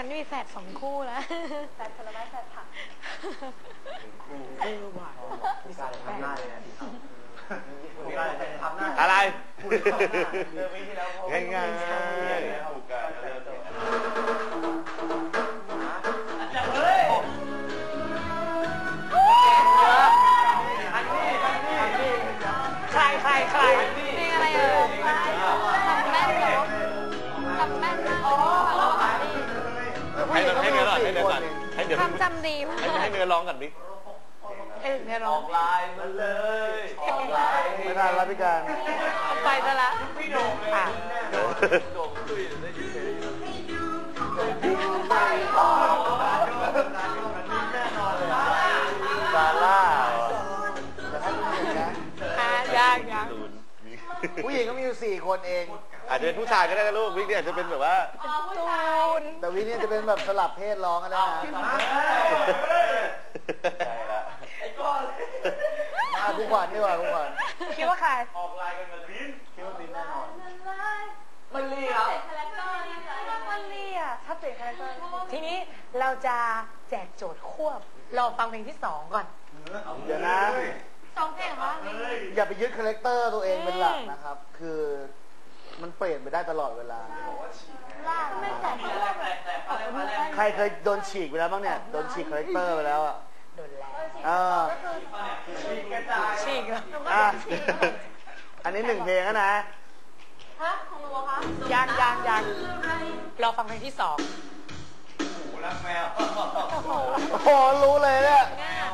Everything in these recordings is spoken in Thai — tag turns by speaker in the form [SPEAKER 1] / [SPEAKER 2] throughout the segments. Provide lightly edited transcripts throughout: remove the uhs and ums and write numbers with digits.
[SPEAKER 1] นมีแฝด2 คู่แล้ว
[SPEAKER 2] แฝดผลไม้แฝดผัก
[SPEAKER 3] คู่
[SPEAKER 1] หวาน
[SPEAKER 3] การทำหน้าเลยนะ
[SPEAKER 4] อะไร
[SPEAKER 3] ง่าย
[SPEAKER 4] ง่าย
[SPEAKER 1] ใครนี่อะไรทำแม่นเหรอทำแม่นมาก
[SPEAKER 4] ให้เนื้อก่อนให้เนื้อก่อนให้เนื้อ
[SPEAKER 1] ทำจำดีมาก
[SPEAKER 4] ให้เนื้อร้องกันดิ
[SPEAKER 1] เนื้อร้อง
[SPEAKER 4] ลายมันเลย
[SPEAKER 3] ไม่ได้รับพิการ
[SPEAKER 1] เอาไปซะละ
[SPEAKER 4] พี่โด่งเลยโด่งตุ้ยได้ยินเพลง
[SPEAKER 3] ซาร่าแต่ถ้าผู้หญิงนะ
[SPEAKER 1] ยัง
[SPEAKER 3] ผู้หญิงก็มีอยู่4 คนเอง
[SPEAKER 4] อาจจะเป็นผู้ชายก็ได้นะลูกวิกเนี่ยอาจจะเป็นแบบว่า
[SPEAKER 1] ตูน
[SPEAKER 3] แต่วิกเนี่ยจะเป็นแบบสลับเพศร้องก็ได้นะผู้ขวัญดีกว่าผู้ขวัญ
[SPEAKER 1] คิดว่าใคร
[SPEAKER 4] ออกลายกันแบบลิ้น
[SPEAKER 3] คิดว่าลิ้นแน่นอน
[SPEAKER 2] มันลี่ครับมันลี่อ่ะถ้าเปลี่ยนคาแรคเตอร์
[SPEAKER 1] ทีนี้เราจะแจกโจทย์ควบรอฟังเพลงที่2ก่อน
[SPEAKER 3] เดี๋ยวนะ
[SPEAKER 2] 2 เพลงเหรอ
[SPEAKER 3] อย่าไปยึดคาแรคเตอร์ตัวเองเป็นหลักนะครับคือมันเปลี่ยนไปได้ตลอดเวลา
[SPEAKER 2] ไม่แจก
[SPEAKER 3] ใครเคยโดนฉีกไปแล้วบ้างเนี่ยโดนฉีกคาแรคเตอร์ไปแล้วอ่ะ
[SPEAKER 1] โดนแล้ว
[SPEAKER 4] ฉีก
[SPEAKER 3] อันนี้1 เพลงนะ
[SPEAKER 2] ฮะของหนูคะ
[SPEAKER 1] ยังรอฟังเพลงที่2
[SPEAKER 4] รักแมว
[SPEAKER 3] โอ้โหรู้เลยเนี่ย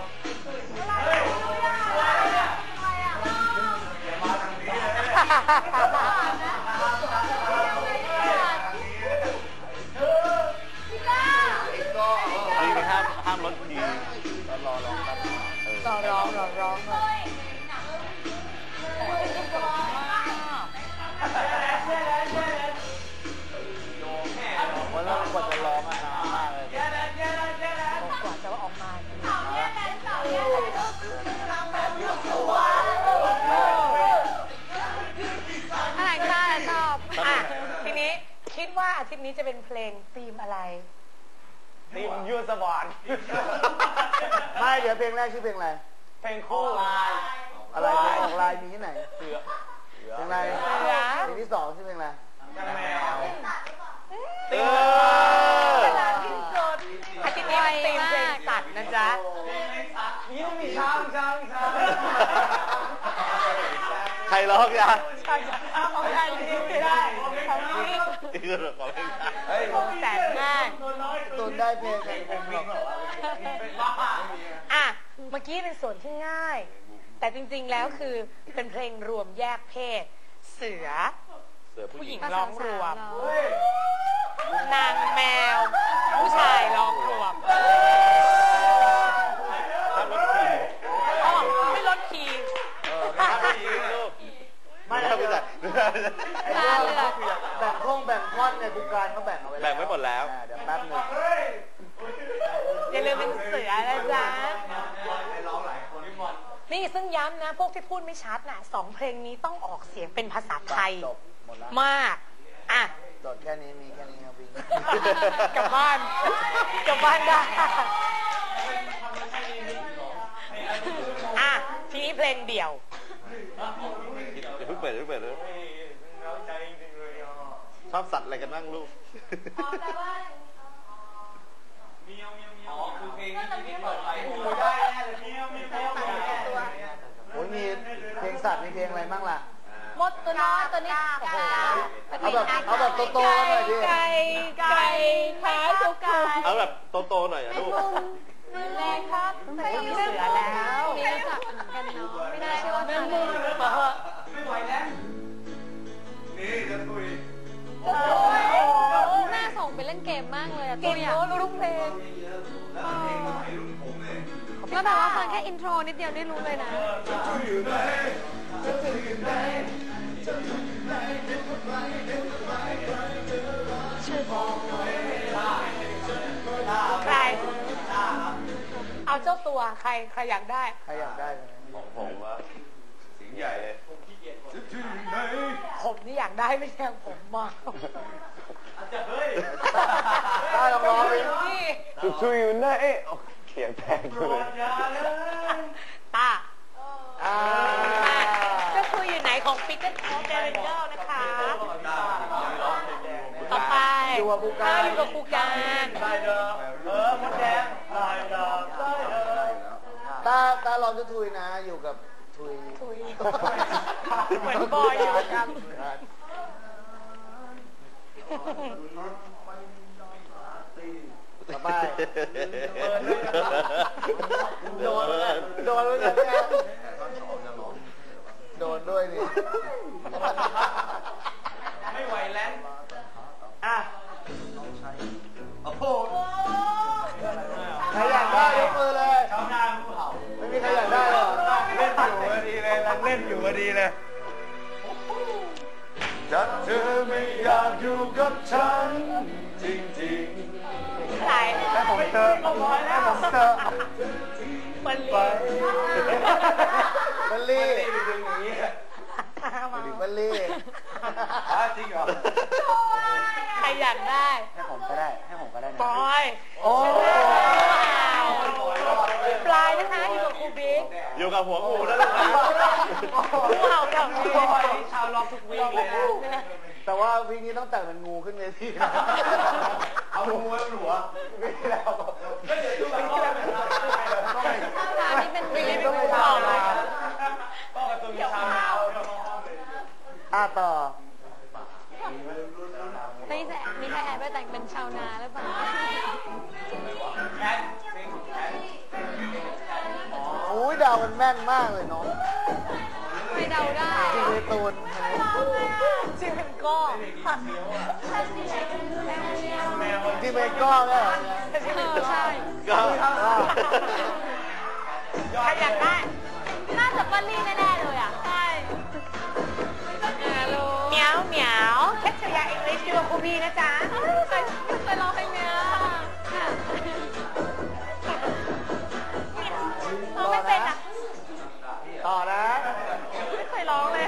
[SPEAKER 4] ห้ามลดที
[SPEAKER 1] ร้อง
[SPEAKER 3] วันละกว่าจะร้องนานมากเลย
[SPEAKER 1] กว่าจะออกมาอะไรชอบทีนี้คิดว่าอาทิตย์นี้จะเป็นเพลงธีมอะไร
[SPEAKER 4] ทีมยูสบอน
[SPEAKER 3] ไม่เดี๋ยวเพลงแรกชื่อเพลงอะไร
[SPEAKER 4] เพลงคู่
[SPEAKER 3] อะไรเพลงออกลายมีที่ไหน
[SPEAKER 4] เพลง
[SPEAKER 3] อะไรเพลงที่2ชื่อเพลงอะไร
[SPEAKER 4] แมว
[SPEAKER 1] อาทิตย์นี้เป็นธีมเพลงสัตว์นะจ๊ะ
[SPEAKER 4] นี่ต้องมีช้างใครร้องยา
[SPEAKER 1] ของใครไม่ได้ของพี่แสนง่าย
[SPEAKER 3] ตุนได้เพลงผมหรอก
[SPEAKER 1] เมื่อกี้เป็นส่วนที่ง่ายแต่จริงๆแล้วคือเป็นเพลงรวมแยกเพศเสือผู้หญิงร้องรวมนางแมวผู้ชายร้องรวมไม่ลดคีย์
[SPEAKER 3] ไม่ได้ไม่ได้แบ่งท่อนเนี่ยทุกการเขาแบ่งเอาไว้
[SPEAKER 4] แบ่งไว้หมดแล้ว
[SPEAKER 3] เดี๋ยวแป๊บนึง
[SPEAKER 1] อย่าลืมเป็นเสือนะจ๊ะนี่ซึ่งย้ำนะพวกที่พูดไม่ชัดน่ะ2 เพลงนี้ต้องออกเสียงเป็นภาษาไทยมาก
[SPEAKER 3] จดแค่นี้มีแค่นี้ครับวิ่ง
[SPEAKER 1] กลับบ้านได้ทีนี้เพลงเดี่ยว
[SPEAKER 4] เพิ่งเปิดเลยชอบสัตว์อะไรกันบ้างลูก
[SPEAKER 2] คือเพลงที่เปิดไปได้แน่เลย
[SPEAKER 3] โอ้ยมีเพลงสัตว์มีเพลงอะไรบ้างล่ะ
[SPEAKER 2] มดตัวน้อยตัวนี้
[SPEAKER 3] เอาแบบโตๆหน่อยดิ
[SPEAKER 1] ไก่ขาสุก
[SPEAKER 4] เอาแบบโตๆหน่อยลูก
[SPEAKER 2] แรงครับ
[SPEAKER 1] ไม่มีเสือแล้ว
[SPEAKER 2] มีสัตว์กันเนาะไม่ได้ใช่ว่า
[SPEAKER 4] ไม่ไหวแล้วนี่จะคุย
[SPEAKER 2] แม่ส่งไปเล่นเกมมากเลย
[SPEAKER 1] เก่งรู้ทุกเพลง
[SPEAKER 2] แล้วแบบว่าฟังแค่อินโทรนิดเดียวได้รู้เลยนะ
[SPEAKER 1] ใครเอาเจ้าตัวใครอยากได้
[SPEAKER 4] ของผมว่าสิ่งใหญ่เลย
[SPEAKER 1] ผมนี่อยากได้ไม่ใช่ผมมา
[SPEAKER 3] ได้ลองทุยอยู่ไหนเขียงแพงเลย
[SPEAKER 1] ตาเจ้าคุยอยู่ไหนของปิกเกอร์โคเดเรนเจอร์นะคะต่อไปอยู่กับปูการ
[SPEAKER 4] ได้เดิมมดแดงได้เดิมได้เดิม
[SPEAKER 3] ตาลองจะทุยนะอยู่กับทุย
[SPEAKER 1] เหมือนบอยอยู่กัน
[SPEAKER 3] ต่อไปโดนเลยเนี่ยโดนด้วยนี่
[SPEAKER 4] ไม่ไหวแล้วอ่ะโอ้โห
[SPEAKER 3] ใครอยากได้ยกมือเลย
[SPEAKER 4] ชาวนาภูเขา
[SPEAKER 3] ไม่มีใครอยากได้หรอ
[SPEAKER 4] เล่นอยู่พอดีเลยเล่นอยู่พอดีเลยถ้าเธอไม่อยากอยู่กับฉันจริง
[SPEAKER 1] ใคร
[SPEAKER 3] ๆให้ผมเจอ
[SPEAKER 1] มันลี
[SPEAKER 3] บัลลี่
[SPEAKER 4] ๆเป็นอย่างนี้
[SPEAKER 3] บัลลี่
[SPEAKER 4] จริงเหรอ
[SPEAKER 1] ใครอยากได้
[SPEAKER 3] ให้ผมก็ได้นะ
[SPEAKER 1] บอย
[SPEAKER 3] โอ้
[SPEAKER 1] ปลายนะคะอยู่กับครูบิ๊ก
[SPEAKER 4] อยู่กับหัวงูแล้วลูก
[SPEAKER 1] งูเห่าแถวนี้
[SPEAKER 4] ชาวล็อกทุกวีคเลยนะ
[SPEAKER 3] แต่ว่าวีคนี้ต้องแต่งเป็นงูขึ้นเวทีนะ
[SPEAKER 4] เอางูไว้บนหัว
[SPEAKER 3] ไม่แล้ว
[SPEAKER 4] ไม่เดี๋ยวดูแบบต้องไป
[SPEAKER 1] นี่เป็นวีคเป็นงูเห่าเลย
[SPEAKER 4] ต้องกับตัวมีชาวนา
[SPEAKER 3] ต่อ
[SPEAKER 2] มีใครแอบไปแต่งเป็นชาวนาหรือเปล่า
[SPEAKER 4] แคทซิงแคท
[SPEAKER 3] โอ้ยดาวมันแม่นมากเลยน้อง
[SPEAKER 2] ไม่เดาได้
[SPEAKER 3] จริงเลยตูน
[SPEAKER 1] ชื่อเป็นก้
[SPEAKER 4] แมว
[SPEAKER 3] จริงเป็นก้อนเลย
[SPEAKER 2] ใช่
[SPEAKER 4] ก็
[SPEAKER 1] ใครอยากได้
[SPEAKER 2] น่าจะป้าลี่แน่ๆเลยอ่ะ ใช่รู้
[SPEAKER 1] เหมียวเหมียวแคทเชียร์อังกฤษอยู่กับครูบีนะจ๊ะ
[SPEAKER 2] เคยร้องเพลงเนี้ยร้องไม่เป็นอ่ะ
[SPEAKER 3] ต่อนะ
[SPEAKER 1] ไม่เคยร้องเลย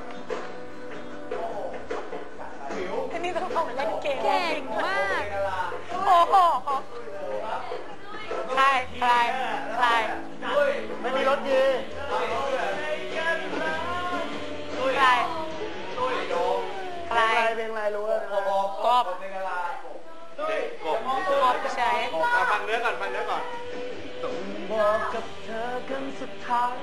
[SPEAKER 1] อันนี้ต้องเอามาเล่นเกม
[SPEAKER 2] เก่งมาก
[SPEAKER 1] โอ้โหใคร
[SPEAKER 3] ไม่มีรถดี
[SPEAKER 1] ใคร
[SPEAKER 3] เพลงอะไรรู้แล้วนะ
[SPEAKER 1] กบใช่
[SPEAKER 4] ฟังเนื้อก่อน
[SPEAKER 3] ต้องบอกกับเธอกันสุดท้าย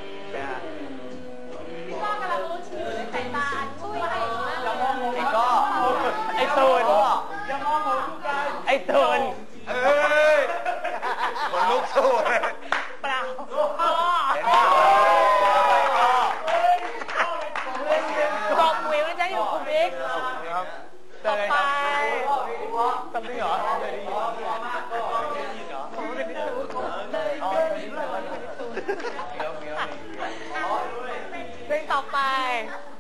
[SPEAKER 2] พ่อกำลังรู้ชื่อในสายตาช่วยเก่งมากเลย
[SPEAKER 1] ไอ้ตูน
[SPEAKER 4] อย่ามองผมทุกการ
[SPEAKER 1] ไอ้ตูน
[SPEAKER 4] เอ้ยคนลุกสู้เลย
[SPEAKER 1] เปล่า
[SPEAKER 4] เห็นป่ะ
[SPEAKER 1] กบวิวนะจ๊ะอยู่คุณบิ๊กต่อไป
[SPEAKER 3] จำได้เหรอ
[SPEAKER 1] เพลงต่อไป